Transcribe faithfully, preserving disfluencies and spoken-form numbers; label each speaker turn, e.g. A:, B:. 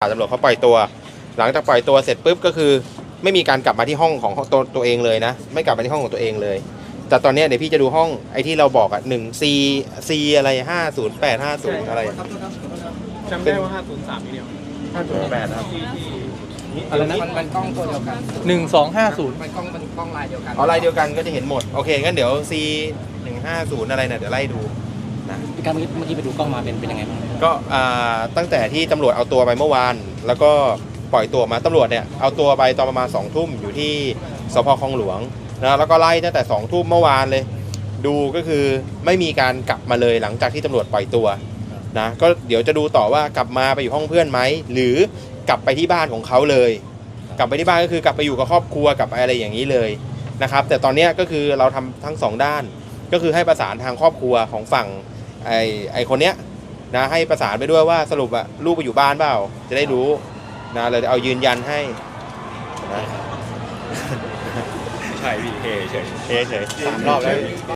A: ตำรวจเขาปล่อยตัวหลังจากปล่อยตัวเสร็จปุ๊บก็คือไม่มีการกลับมาที่ห้องของตัวตัวเองเลยนะไม่กลับมาที่ห้องของตัวเองเลยแต่ตอนนี้เดี๋ยวพี่จะดูห้องไอ้ที่เราบอกอ่ะหนึ่งซีซีอะไรห้าศูนย์แปดห้าศูนย์อะไร
B: จำได้ว่าห้าศูนย์สามนี่เดียว
A: ห้าศูนย์แปดครับ
C: อะไรนะมันมันกล้องตัวเดียวกัน
B: หนึ่งสองห้าศูนย์
C: มันกล้องมันกล้องลายเดียวกัน
A: อ๋อลายเดียวกันก็จะเห็นหมดโอเคงั้นเดี๋ยว C หนึ่งห้าศูนย์อะไรนะเดี๋ยวไล่ดูนะ
D: พี่การเมื่อกี้ไปดูกล้องมาเป็นเป็นยังไงบ้าง
A: ก็อ่าตั้งแต่ที่ตำรวจเอาตัวไปเมื่อวานแล้วก็ปล่อยตัวมาตำรวจเนี่ยเอาตัวไปตอนประมาณสองทุ่มอยู่ที่สพคลองหลวงนะแล้วก็ไล่ตั้งแต่สองทุ่มเมื่อวานเลยดูก็คือไม่มีการกลับมาเลยหลังจากที่ตำรวจปล่อยตัวนะก็เดี๋ยวจะดูต่อว่ากลับมาไปอยู่ห้องเพื่อนไหมหรือกลับไปที่บ้านของเขาเลยกลับไปที่บ้านก็คือกลับไปอยู่กับครอบครัวกลับไปอะไรอย่างนี้เลยนะครับแต่ตอนนี้ก็คือเราทำทั้งสองด้านก็คือให้ประสานทางครอบครัวของฝั่งไอ้ไอ้คนเนี้ยนะให้ประสานไปด้วยว่าสรุปอะลูกไปอยู่บ้านเปล่าจะได้รู้นะเลยเอายืนยันให้นะ
B: ใช่พี่เฮเฉย
A: เฉย
D: สามรอบแล้ว